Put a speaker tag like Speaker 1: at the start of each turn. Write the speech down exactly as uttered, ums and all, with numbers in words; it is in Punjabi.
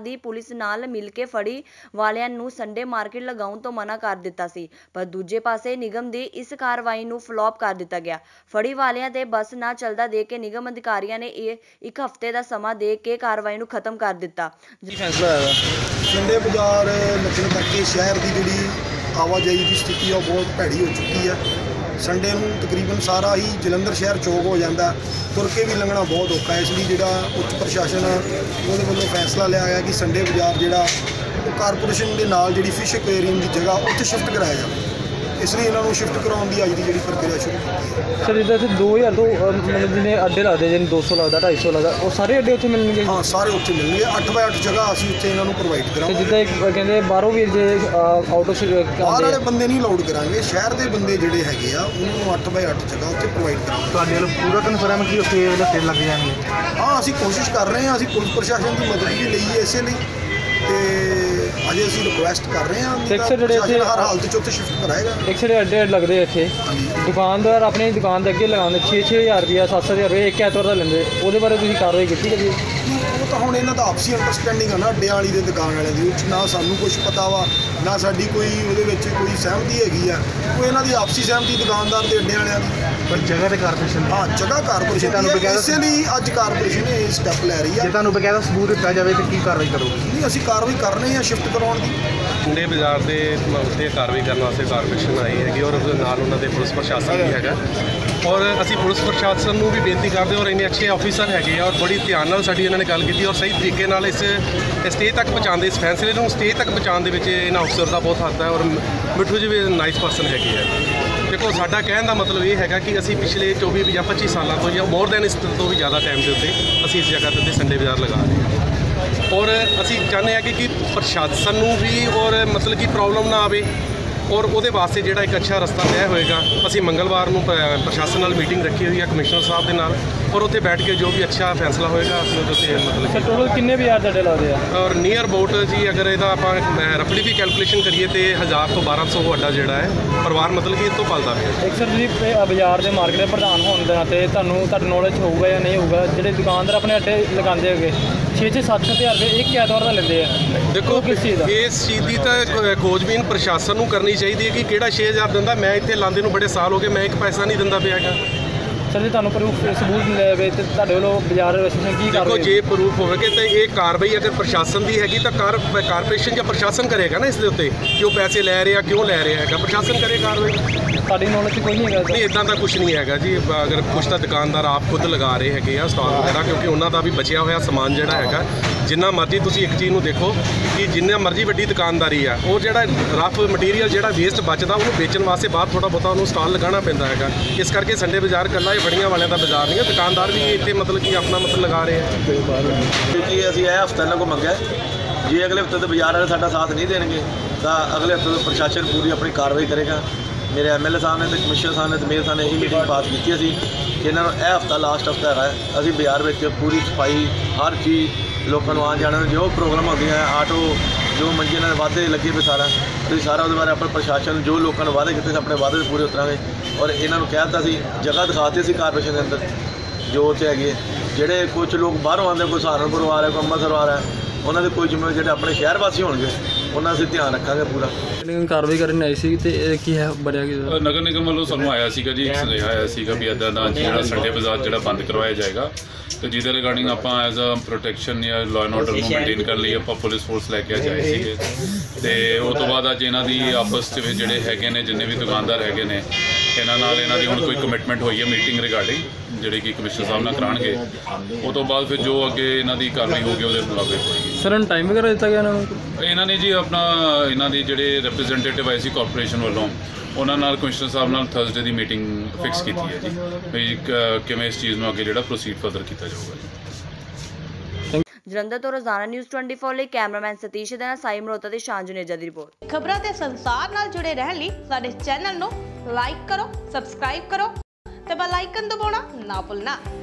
Speaker 1: ਦੀ ਪੁਲਿਸ ਨਾਲ ਮਿਲ ਕੇ ਫੜੀ ਵਾਲਿਆਂ ਨੂੰ ਸੰਡੇ ਮਾਰਕੀਟ ਲਗਾਉਣ ਤੋਂ ਮਨਾ ਕਰ ਦਿੱਤਾ ਸੀ, ਪਰ ਦੂਜੇ ਪਾਸੇ ਨਿਗਮ ਦੀ ਇਸ ਕਾਰਵਾਈ ਨੂੰ ਫਲॉप ਕਰ ਦਿੱਤਾ ਗਿਆ। ਫੜੀ ਵਾਲਿਆਂ ਤੇ ਬੱਸ ਨਾ ਚੱਲਦਾ ਦੇਖ ਕੇ ਨਿਗਮ ਅਧਿਕਾਰੀਆਂ ਨੇ ਇਹ ਇੱਕ ਹਫ਼ਤੇ ਦਾ ਸਮਾਂ ਦੇ ਕੇ ਕਾਰਵਾਈ ਨੂੰ ਖਤਮ ਕਰ ਦਿੱਤਾ।
Speaker 2: ਕੀ ਫੈਸਲਾ ਹੋਇਆ?
Speaker 3: ਸੰਡੇ ਬਾਜ਼ਾਰ ਲੱਗਣ ਕਰਕੇ ਸ਼ਹਿਰ ਦੀ ਜਿਹੜੀ ਆਵਾਜਾਈ ਦੀ ਸਥਿਤੀ ਉਹ ਬਹੁਤ ਭੈੜੀ ਹੋ ਚੁੱਕੀ ਹੈ। ਸੰਡੇ ਨੂੰ ਤਕਰੀਬਨ ਸਾਰਾ ਹੀ ਜਲੰਧਰ ਸ਼ਹਿਰ ਚੌਕ ਹੋ ਜਾਂਦਾ, ਤੁਰ ਕੇ ਵੀ ਲੰਘਣਾ ਬਹੁਤ ਔਖਾ। ਇਸ ਲਈ ਜਿਹੜਾ ਉੱਚ ਪ੍ਰਸ਼ਾਸਨ ਉਹਦੇ ਵੱਲੋਂ ਫੈਸਲਾ ਲਿਆ ਗਿਆ ਕਿ ਸੰਡੇ ਬਾਜ਼ਾਰ ਜਿਹੜਾ ਉਹ ਕਾਰਪੋਰੇਸ਼ਨ ਦੇ ਨਾਲ ਜਿਹੜੀ ਫਿਸ਼ ਐਕੁਆਰੀਅਮ ਦੀ ਜਗ੍ਹਾ ਉੱਥੇ ਸ਼ਿਫਟ ਕਰਾਇਆ ਜਾਵੇ। ਇਸ ਲਈ ਇਹਨਾਂ ਨੂੰ ਸ਼ਿਫਟ ਕਰਾਉਣ ਦੀ ਅੱਜ ਦੀ ਜਿਹੜੀ ਪ੍ਰਕਿਰਿਆ ਸ਼ੁਰੂ ਕੀਤੀ ਹੈ।
Speaker 2: ਸਰ ਜਿੱਦਾਂ ਇੱਥੇ ਦੋ ਹਜ਼ਾਰ ਤੋਂ ਮਤਲਬ ਜਿਹਨੇ ਅੱਡੇ ਲੱਗਦੇ ਜਿਵੇਂ ਦੋ ਸੌ ਲੱਗਦਾ ਢਾਈ ਸੌ ਲੱਗਦਾ, ਉਹ ਸਾਰੇ ਅੱਡੇ ਉੱਥੇ ਮਿਲਣਗੇ?
Speaker 3: ਹਾਂ, ਸਾਰੇ ਉੱਥੇ ਮਿਲਣਗੇ। ਅੱਠ ਬਾਏ ਅੱਠ ਜਗ੍ਹਾ ਅਸੀਂ ਉੱਥੇ ਇਹਨਾਂ ਨੂੰ ਪ੍ਰੋਵਾਈਡ ਕਰਾਂਗੇ।
Speaker 2: ਜਿੱਦਾਂ ਇੱਕ ਕਹਿੰਦੇ ਬਾਹਰੋਂ ਵੀ ਜੇ ਆਊਟ ਆਫ
Speaker 3: ਬਾਹਰ ਵਾਲੇ ਬੰਦੇ ਨਹੀਂ ਅਲਾਉਡ ਕਰਾਂਗੇ, ਸ਼ਹਿਰ ਦੇ ਬੰਦੇ ਜਿਹੜੇ ਹੈਗੇ ਆ ਉਹਨਾਂ ਨੂੰ ਅੱਠ ਬਾਏ ਅੱਠ ਜਗ੍ਹਾ ਉੱਥੇ ਪ੍ਰੋਵਾਈਡ ਕਰਾਂਗੇ।
Speaker 4: ਤੁਹਾਡੇ ਵੱਲੋਂ ਪੂਰਾ ਕਨਫਰਮ ਕਿ ਉੱਥੇ ਲੱਗੇ ਲੱਗ ਜਾਣਗੇ?
Speaker 3: ਹਾਂ, ਅਸੀਂ ਕੋਸ਼ਿਸ਼ ਕਰ ਰਹੇ ਹਾਂ। ਅਸੀਂ ਪੁਲਿਸ ਪ੍ਰਸ਼ਾਸਨ ਦੀ ਮਦਦ ਵੀ ਲਈ ਹੈ ਇਸੇ ਲਈ, ਤੇ ਅਜੇ ਅਸੀਂ ਰਿਕੁਐਸਟ ਕਰ ਰਹੇ ਹਾਂ ਕਿ ਪ੍ਰਸ਼ਾਸਨ ਹਰ ਹਾਲਤ 'ਚ ਉੱਥੇ ਸ਼ਿਫਟ ਕਰਾਏਗਾ।
Speaker 2: ਇੱਕ ਜਿਹੜੇ ਅੱਡੇ ਲੱਗਦੇ ਇੱਥੇ ਦੁਕਾਨਦਾਰ ਆਪਣੀ ਦੁਕਾਨ ਦੇ ਅੱਗੇ ਲਗਾਉਂਦੇ ਛੇ ਛੇ ਹਜ਼ਾਰ ਰੁਪਇਆ ਸੱਤ ਸੱਤ ਹਜ਼ਾਰ ਰੁਪਏ ਇੱਕ ਐਤਵਾਰ ਦਾ ਲੈਂਦੇ, ਉਹਦੇ ਬਾਰੇ ਤੁਸੀਂ ਕਾਰਵਾਈ ਕੀਤੀ ਕਦੀ?
Speaker 3: ਉਹ ਤਾਂ ਹੁਣ ਇਹਨਾਂ ਦਾ ਆਪਸੀ ਅੰਡਰਸਟੈਂਡਿੰਗ ਆ ਨਾ ਅੱਡਿਆਂ ਵਾਲੀ ਦੇ ਦੁਕਾਨ ਵਾਲਿਆਂ ਦੀ, ਉਹ 'ਚ ਨਾ ਸਾਨੂੰ ਕੁਝ ਪਤਾ ਵਾ ਨਾ ਸਾਡੀ ਕੋਈ ਉਹਦੇ ਵਿੱਚ ਕੋਈ ਸਹਿਮਤੀ ਹੈਗੀ ਆ। ਉਹ ਇਹਨਾਂ ਦੀ ਆਪਸੀ ਸਹਿਮਤੀ ਦੁਕਾਨਦਾਰ ਤੇ ਅੱਡਿਆਂ ਵਾਲਿਆਂ ਦੀ।
Speaker 4: ਪਰ ਜਗ੍ਹਾ ਤੇ ਕਾਰਪੋਰੇਸ਼ਨ
Speaker 3: ਹਾਂ, ਜਗ੍ਹਾ ਕਾਰਪੋਰੇਸ਼ਨ ਤੁਹਾਨੂੰ ਬਕਾਇਦਾ, ਇਸੇ ਲਈ ਅੱਜ ਕਾਰਪੋਰੇਸ਼ਨ ਇਹ ਸਟੈਪ ਲੈ ਰਹੀ ਆ।
Speaker 4: ਜੇ ਤੁਹਾਨੂੰ ਬਕਾਇਦਾ ਸਬੂਤ ਦਿੱਤਾ ਜਾਵੇ ਤਾਂ ਕੀ ਕਾਰਵਾਈ ਕਰੋਗੇ?
Speaker 3: ਨਹੀਂ, ਅਸੀਂ ਕਾਰਵਾਈ ਕਰ ਰਹੇ ਹਾਂ ਸ਼ਿਫਟ ਕਰਾਉਣ ਦੀ।
Speaker 5: ਸੰਡੇ ਬਾਜ਼ਾਰ ਦੇ ਉੱਤੇ ਕਾਰਵਾਈ ਕਰਨ ਵਾਸਤੇ ਕਾਰਪੋਰੇਸ਼ਨ ਆਈ ਹੈਗੀ ਔਰ ਉਹਦੇ ਨਾਲ ਉਹਨਾਂ ਦੇ ਪੁਲਿਸ ਪ੍ਰਸ਼ਾਸਨ ਵੀ ਹੈਗਾ, ਔਰ ਅਸੀਂ ਪੁਲਿਸ ਪ੍ਰਸ਼ਾਸਨ ਨੂੰ ਵੀ ਬੇਨਤੀ ਕਰਦੇ ਔਰ ਇੰਨੇ ਅੱਛੇ ਆਫੀਸਰ ਹੈਗੇ ਆ ਔਰ ਬੜੀ ਧਿਆਨ ਨਾਲ ਸਾਡੀ ਇਹਨਾਂ ਨੇ ਗੱਲ ਕੀਤੀ ਔਰ ਸਹੀ ਤਰੀਕੇ ਨਾਲ ਇਸ ਸਟੇਜ ਤੱਕ ਪਹੁੰਚਾਉਂਦੇ, ਇਸ ਫੈਸਲੇ ਨੂੰ ਸਟੇਜ ਤੱਕ ਪਹੁੰਚਾਉਣ ਦੇ ਵਿੱਚ ਇਹਨਾਂ ਅਫਸਰ ਦਾ ਬਹੁਤ ਹੱਥ ਹੈ। ਔਰ ਮਿੱਠੂ ਜੀ ਵੀ ਨਾਈਸ ਪਰਸਨ ਹੈਗੇ ਆ। ਦੇਖੋ, ਸਾਡਾ ਕਹਿਣ ਦਾ ਮਤਲਬ ਇਹ ਹੈਗਾ ਕਿ ਅਸੀਂ ਪਿਛਲੇ ਚੌਵੀ ਜਾਂ ਪੱਚੀ ਸਾਲਾਂ ਤੋਂ ਜਾਂ ਮੋਰ ਦੈਨ ਇਸ ਤੋਂ ਵੀ ਜ਼ਿਆਦਾ ਟਾਈਮ ਦੇ ਉੱਤੇ ਅਸੀਂ ਇਸ ਜਗ੍ਹਾ ਦੇ ਉੱਤੇ ਸੰਡੇ ਬਾਜ਼ਾਰ ਲਗਾ ਰਹੇ ਹਾਂ ਔਰ ਅਸੀਂ ਚਾਹੁੰਦੇ ਹਾਂ ਕਿ ਕਿ ਪ੍ਰਸ਼ਾਸਨ ਨੂੰ ਵੀ ਔਰ ਮਤਲਬ ਕਿ ਪ੍ਰੋਬਲਮ ਨਾ ਆਵੇ ਔਰ ਉਹਦੇ ਵਾਸਤੇ ਜਿਹੜਾ ਇੱਕ ਅੱਛਾ ਰਸਤਾ ਤੈਅ ਹੋਏਗਾ। ਅਸੀਂ ਮੰਗਲਵਾਰ ਨੂੰ ਪ੍ਰਸ਼ਾਸਨ ਨਾਲ ਮੀਟਿੰਗ ਰੱਖੀ ਹੋਈ ਹੈ, ਕਮਿਸ਼ਨਰ ਸਾਹਿਬ ਦੇ ਨਾਲ, ਔਰ ਉੱਥੇ ਬੈਠ ਕੇ ਜੋ ਵੀ ਅੱਛਾ ਫੈਸਲਾ ਹੋਏਗਾ ਅਸੀਂ ਉਹਦੇ ਉੱਤੇ ਮਤਲਬ
Speaker 2: ਸਰ ਟੋਟਲ ਕਿੰਨੇ ਬਾਜ਼ਾਰ ਤੁਹਾਡੇ ਲੱਗਦੇ ਆ?
Speaker 5: ਔਰ ਨੀਅਰ ਅਬਾਊਟ ਜੀ ਅਗਰ ਇਹਦਾ ਆਪਾਂ ਰਫਲੀ ਵੀ ਕੈਲਕੂਲੇਸ਼ਨ ਕਰੀਏ ਤੇ ਹਜ਼ਾਰ ਤੋਂ ਬਾਰਾਂ ਸੌ ਅੱਡਾ ਜਿਹੜਾ ਹੈ ਪਰਿਵਾਰ ਮਤਲਬ ਕਿ ਇਹ ਤੋਂ ਪਲਦਾ ਪਿਆ।
Speaker 2: ਇੱਕ ਸਰ ਤੁਸੀਂ ਬਾਜ਼ਾਰ ਦੇ ਮਾਰਕੀਟ ਦੇ ਪ੍ਰਧਾਨ ਹੋਣ ਦੇ ਨਾਤੇ ਤੁਹਾਨੂੰ ਤੁਹਾਡੀ ਨੌਲੇਜ ਹੋਊਗਾ ਜਾਂ ਨਹੀਂ ਹੋਊਗਾ, ਜਿਹੜੇ ਦੁਕਾਨਦਾਰ ਆਪਣੇ ਅੱਡੇ ਲਗਾਉਂਦੇ ਹੈਗੇ ਛੇ ਛੇ ਸੱਤ ਸੱਤ ਹਜ਼ਾਰ ਰੁਪਏ ਇੱਕ ਐਤਵਾਰ ਦਾ ਲੈਂਦੇ ਆ,
Speaker 5: ਦੇਖੋ
Speaker 2: ਕਿਸ ਚੀਜ਼ ਦਾ?
Speaker 5: ਇਸ ਚੀਜ਼ ਦੀ ਤਾਂ ਖੋਜਬੀਨ ਪ੍ਰਸ਼ਾਸਨ ਨੂੰ ਕਰਨੀ ਚਾਹੀਦੀ ਹੈ ਕਿ ਕਿਹੜਾ ਛੇ ਹਜ਼ਾਰ ਦਿੰਦਾ। ਮੈਂ ਇੱਥੇ ਲਾਂਦੇ ਨੂੰ ਬੜੇ ਸਾਲ ਹੋ ਗਏ, ਮੈਂ ਇੱਕ ਪੈਸਾ ਨਹੀਂ ਦਿੰਦਾ ਪਿਆ ਹੈਗਾ।
Speaker 2: ਸਰ ਜੇ ਤੁਹਾਨੂੰ ਪ੍ਰੂਫ ਸਬੂਤ ਮਿਲੇ ਤੇ ਤੁਹਾਡੇ ਵੱਲੋਂ ਬਾਜ਼ਾਰ ਐਸੋਸੀਏਸ਼ਨ ਕੀ
Speaker 5: ਦੇਖੋ,
Speaker 2: ਕਰੇਗੀ?
Speaker 5: ਜੇ ਪ੍ਰੂਫ ਹੋਵੇਗਾ ਤਾਂ ਇਹ ਕਾਰਵਾਈ ਅਗਰ ਪ੍ਰਸ਼ਾਸਨ ਦੀ ਹੈਗੀ ਤਾਂ ਕਾਰ ਕਾਰਪੋਰੇਸ਼ਨ ਜਾਂ ਪ੍ਰਸ਼ਾਸਨ ਕਰੇਗਾ ਨਾ ਇਸ ਦੇ ਉੱਤੇ ਕਿ ਉਹ ਪੈਸੇ ਲੈ ਰਿਹਾ ਕਿਉਂ ਲੈ ਰਿਹਾ ਹੈਗਾ, ਪ੍ਰਸ਼ਾਸਨ ਕਰੇ ਕਾਰਵਾਈ।
Speaker 2: ਤੁਹਾਡੀ ਨੌਲੇਜ 'ਚ ਕੋਈ ਨਹੀਂ ਹੈਗਾ?
Speaker 5: ਨਹੀਂ, ਇੱਦਾਂ ਦਾ ਕੁਝ ਨਹੀਂ ਹੈਗਾ ਜੀ। ਅਗਰ ਕੁਛ ਤਾਂ ਦੁਕਾਨਦਾਰ ਆਪ ਖੁਦ ਲਗਾ ਰਹੇ ਹੈਗੇ ਆ ਸਟਾਲ ਵਗੈਰਾ, ਕਿਉਂਕਿ ਉਹਨਾਂ ਦਾ ਵੀ ਬਚਿਆ ਹੋਇਆ ਸਮਾਨ ਜਿਹੜਾ ਹੈਗਾ, ਜਿੰਨਾ ਮਰਜ਼ੀ ਤੁਸੀਂ ਇੱਕ ਚੀਜ਼ ਨੂੰ ਦੇਖੋ ਕਿ ਜਿੰਨਾ ਮਰਜ਼ੀ ਵੱਡੀ ਦੁਕਾਨਦਾਰੀ ਆ, ਉਹ ਜਿਹੜਾ ਰਫ ਮਟੀਰੀਅਲ ਜਿਹੜਾ ਵੇਸਟ ਬਚਦਾ ਉਹਨੂੰ ਵੇਚਣ ਵਾਸਤੇ ਬਾਹਰ ਥੋੜ੍ਹਾ ਬਹੁਤਾ ਉਹਨੂੰ ਸਟਾਲ ਲਗਾਉਣਾ ਪੈਂਦਾ ਹੈਗਾ। ਇਸ ਕਰਕੇ ਸੰਡੇ ਬਾਜ਼ਾਰ ਇਕੱਲਾ ਇਹ ਫੜੀਆਂ ਵਾਲਿਆਂ ਦਾ ਬਾਜ਼ਾਰ ਨਹੀਂ ਹੈ, ਦੁਕਾਨਦਾਰ ਵੀ ਇੱਥੇ ਮਤਲਬ ਕਿ ਆਪਣਾ ਮਤਲਬ ਲਗਾ ਰਹੇ ਆ।
Speaker 6: ਕਿਉਂਕਿ ਅਸੀਂ ਇਹ ਹਫ਼ਤਾ ਇਹਨਾਂ ਕੋਲ ਮੰਗਿਆ, ਜੇ ਅਗਲੇ ਹਫ਼ਤੇ ਤੋਂ ਬਾਜ਼ਾਰ ਵਾਲੇ ਸਾਡਾ ਸਾਥ ਨਹੀਂ ਦੇਣਗੇ ਤਾਂ ਅਗਲੇ ਹਫ਼ਤੇ ਤੋਂ ਪ੍ਰਸ਼ਾਸਨ ਪੂਰੀ ਆਪਣੀ ਕਾਰਵਾਈ ਕਰੇਗਾ। ਮੇਰੇ ਐਮ ਐਲ ਏ ਸਾਹਿਬ ਨੇ ਅਤੇ ਕਮਿਸ਼ਨਰ ਸਾਹਿਬ ਨੇ ਅਤੇ ਮੇਅਰ ਸਾਹਿਬ ਨੇ ਇਹੀ ਮੀਟਿੰਗ ਪਾਸ ਕੀਤੀ ਸੀ ਕਿ ਇਹਨਾਂ ਨੂੰ ਇਹ ਹਫ਼ਤਾ ਲਾਸਟ ਹਫ਼ਤਾ ਹੈਗਾ, ਅਸੀਂ ਬਾਜ਼ਾਰ ਵਿੱਚ ਪੂਰੀ ਸਫਾਈ ਹਰ ਚੀਜ਼ ਲੋਕਾਂ ਨੂੰ ਆਉਣ ਜਾਣ ਨੂੰ ਜੋ ਪ੍ਰੋਗਰਾਮ ਹੁੰਦੀਆਂ ਆਟੋ ਜੋ ਮੰਜੇ ਨਾਲ ਵਾਅਦੇ ਲੱਗੇ ਪਏ ਸਾਰਾ ਤੁਸੀਂ ਸਾਰਾ ਉਹਦੇ ਬਾਰੇ ਆਪਣੇ ਪ੍ਰਸ਼ਾਸਨ ਜੋ ਲੋਕਾਂ ਨੂੰ ਵਾਅਦੇ ਕੀਤੇ ਆਪਣੇ ਵਾਅਦੇ ਪੂਰੇ ਉਤਰਾਂਗੇ। ਔਰ ਇਹਨਾਂ ਨੂੰ ਕਹਿ ਦਿੱਤਾ ਸੀ, ਜਗ੍ਹਾ ਦਿਖਾਤੀ ਸੀ ਕਾਰਪੋਰੇਸ਼ਨ ਦੇ ਅੰਦਰ ਜੋ ਉੱਥੇ ਹੈਗੇ, ਜਿਹੜੇ ਕੁਝ ਲੋਕ ਬਾਹਰੋਂ ਆਉਂਦੇ, ਕੋਈ ਸਹਾਰਨਪੁਰੋਂ ਆ ਰਿਹਾ, ਕੋਈ ਅੰਮ੍ਰਿਤਸਰੋਂ ਆ ਰਿਹਾ, ਉਹਨਾਂ ਦੇ ਕੋਈ ਜ਼ਿੰਮੇਵਾਰ ਜਿਹੜੇ ਆਪਣੇ ਸ਼ਹਿਰ ਵਾਸੀ ਹੋਣਗੇ ਉਹਨਾਂ ਅਸੀਂ ਧਿਆਨ ਰੱਖਾਂਗੇ ਪੂਰਾ।
Speaker 2: ਕਾਰਵਾਈ ਕਰਨ ਆਈ ਸੀ ਤੇ ਕੀ ਹੈ ਬਣਿਆ ਕਿ
Speaker 7: ਨਗਰ ਨਿਗਮ ਵੱਲੋਂ ਸਾਨੂੰ ਆਇਆ ਸੀਗਾ ਜੀ, ਇੱਕ ਸੁਨੇਹਾ ਆਇਆ ਸੀਗਾ ਵੀ ਇੱਦਾਂ ਦਾ ਜਿਹੜਾ ਸੰਡੇ ਬਾਜ਼ਾਰ ਜਿਹੜਾ ਬੰਦ ਕਰਵਾਇਆ ਜਾਏਗਾ, ਤੇ ਜਿਹਦੇ ਰਿਗਾਰਡਿੰਗ ਆਪਾਂ ਐਜ਼ ਅ ਪ੍ਰੋਟੈਕਸ਼ਨ ਜਾਂ ਲਾਅ ਐਂਡ ਆਰਡਰ ਨੂੰ ਮੇਨਟੇਨ ਕਰਨ ਲਈ ਆਪਾਂ ਪੁਲਿਸ ਫੋਰਸ ਲੈ ਕੇ ਜਾਏ ਸੀਗੇ। ਤੇ ਉਸ ਤੋਂ ਬਾਅਦ ਅੱਜ ਇਹਨਾਂ ਦੀ ਆਪਸ ਵਿੱਚ ਜਿਹੜੇ ਹੈਗੇ ਨੇ ਜਿੰਨੇ ਵੀ ਦੁਕਾਨਦਾਰ ਹੈਗੇ ਨੇ ਇਹਨਾਂ ਨਾਲ ਇਹਨਾਂ ਦੀ ਹੁਣ ਕੋਈ ਕਮਿਟਮੈਂਟ ਹੋਈ ਹੈ ਮੀਟਿੰਗ ਰਿਗਾਰਡਿੰਗ ਜਿਹੜੀ ਕਿ ਕਮਿਸ਼ਨਰ ਸਾਹਿਬ ਨਾਲ ਕਰਾਉਣਗੇ। ਉਸ ਤੋਂ ਬਾਅਦ ਫਿਰ ਜੋ ਅੱਗੇ ਇਹਨਾਂ ਦੀ ਕਾਰਵਾਈ ਹੋਊਗੀ ਉਹਦੇ ਮੁਤਾਬਿਕ ਹੋਏਗੀ।
Speaker 2: ਸਰ ਨੂੰ ਟਾਈਮ ਵਗੈਰਾ ਦਿੱਤਾ ਗਿਆ ਇਹਨਾਂ ਨੂੰ?
Speaker 7: ਇਹਨਾਂ ਨੇ ਜੀ ਆਪਣਾ ਇਹਨਾਂ ਦੀ ਜਿਹੜੇ ਰਿਪਰੈਜ਼ੈਂਟੇਟਿਵ ਆਏ ਸੀ ਕਾਰਪੋਰੇਸ਼ਨ ਵੱਲੋਂ ਉਹਨਾਂ ਨਾਲ ਕਮਿਸ਼ਨਰ ਸਾਹਿਬ ਨਾਲ ਥਰਸਡੇ ਦੀ ਮੀਟਿੰਗ ਫਿਕਸ ਕੀਤੀ ਹੈ ਜੀ ਵੀ ਕਿਵੇਂ ਇਸ ਚੀਜ਼ ਨੂੰ ਅੱਗੇ ਜਿਹੜਾ ਪ੍ਰੋਸੀਡ ਫਰਦਰ ਕੀਤਾ ਜਾਊਗਾ ਜੀ।
Speaker 1: ਜਲੰਧਰ ਤੋਂ ਰੋਜ਼ਾਨਾ ਨਿਊਜ਼ ਚੌਵੀ ਲਈ ਕੈਮਰਾਮੈਨ ਸਤੀਸ਼ ਦੇ ਨਾਲ ਸਾਈ ਮਰੋਤਾ ਤੇ ਸ਼ਾਂਜਨੇਜਾ ਦੀ ਰਿਪੋਰਟ।
Speaker 8: ਖਬਰਾਂ ਤੇ ਸੰਸਾਰ ਨਾਲ ਜੁੜੇ ਰਹਿਣ ਲਈ ਸਾਡੇ ਚੈਨਲ ਨੂੰ ਲਾਈਕ ਕਰੋ, ਸਬਸਕ੍ਰਾਈਬ ਕਰੋ ਤੇ ਬੈਲ ਆਈਕਨ ਦਬਾਉਣਾ ਨਾ ਭੁੱਲਣਾ।